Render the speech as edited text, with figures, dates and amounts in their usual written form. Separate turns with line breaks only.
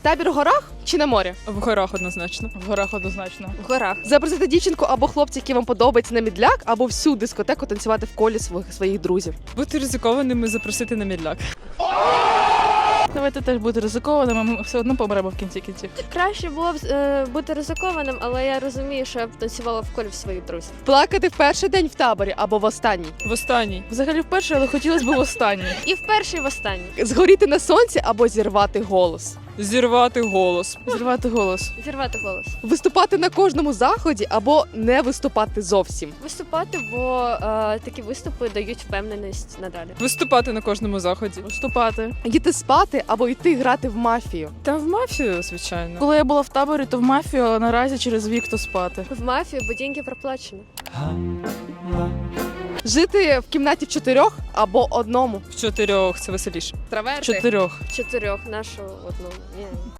Табір в горах чи на морі?
В горах однозначно.
В горах однозначно.
В горах. Запросити дівчинку або хлопця, який вам подобається, на мідляк, або всю дискотеку танцювати в колі своїх друзів.
Бути ризикованим і запросити на мідляк.
Давайте теж бути ризикованими, ми все одно помремо в кінці кінців.
Краще було б бути ризикованим, але я розумію, що я б танцювала в колі в своїх друзів.
Плакати в перший день в таборі або в останній.
В останній.
Взагалі вперше, але хотілося б в останній.
І в перший, і в останній.
Згоріти на сонці або зірвати голос.
Зірвати голос.
Зривати голос.
Зірвати голос.
Виступати на кожному заході або не виступати зовсім.
Виступати, бо такі виступи дають впевненість надалі.
Виступати на кожному заході.
Вступати.
Йти спати або йти грати в мафію.
Та в мафію, звичайно.
Коли я була в таборі, то в мафію, а наразі через вік то спати.
В мафію, бо деньги проплачені.
Жити в кімнаті в 4 або одному.
В 4 це веселіше.
Траверти.
4.
4 нашу одну. Ні.